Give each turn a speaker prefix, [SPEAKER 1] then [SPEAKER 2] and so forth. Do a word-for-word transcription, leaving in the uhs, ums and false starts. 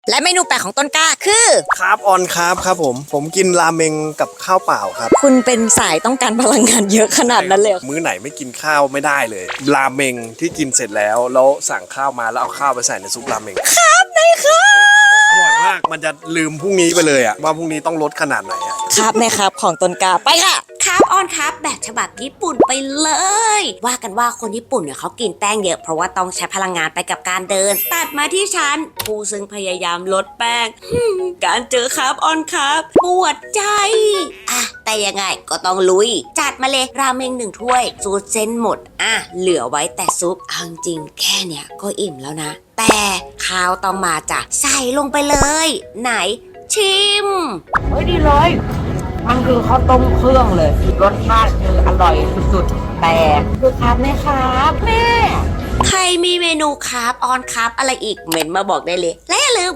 [SPEAKER 1] และเมนูแปลกของต้นกล้าคือ
[SPEAKER 2] คาร์บออนคาร์บครับผมผมกินราเมงกับข้าวเปล่าครับ
[SPEAKER 1] คุณเป็นสายต้องการพลังงานเยอะขนาดนั้นเลย
[SPEAKER 2] มื้อไหนไม่กินข้าวไม่ได้เลยราเมงที่กินเสร็จแล้วแล้วสั่งข้าวมาแล้วเอาข้าวไปใส่ในซุปราเมง
[SPEAKER 1] ครับในครับ
[SPEAKER 2] อร่อยมากมันจะลืมพรุ่งนี้ไปเลยอะว่าพรุ่งนี้ต้องลดขนาดไหนอะ
[SPEAKER 1] ครับในครับของต้นกล้าไปค่ะ
[SPEAKER 3] ครับออนครับแบบฉบับญี่ปุ่นไปเลย ว่ากันว่าคนญี่ปุ่นเนี่ยเขากินแป้งเยอะเพราะว่าต้องใช้พลังงานไปกับการเดินตัดมาที่ฉันผู้ซึ่งพยายามลดแป้ง การเจอครับออนครับปวดใจอ่ะแต่ยังไงก็ต้องลุยจัดมาเลยราเมงหนึ่งถ้วยซูดเส้นหมดอ่ะเหลือไว้แต่ซุปเอาจริงแค่เนี้ยก็อิ่มแล้วนะแต่ข้าวต้องมาจ้ะใส่ลงไปเลยไหนชิม
[SPEAKER 4] เฮ้ยดีเลยมันคือข้าวต้มเครื่องเลยรสชาติคืออร่อยสุดๆแต่คือครับไหมครับแม่
[SPEAKER 3] ใครมีเมนูคาร์บออนคาร์บอะไรอีกเมนมาบอกได้เลยและอย่าลืม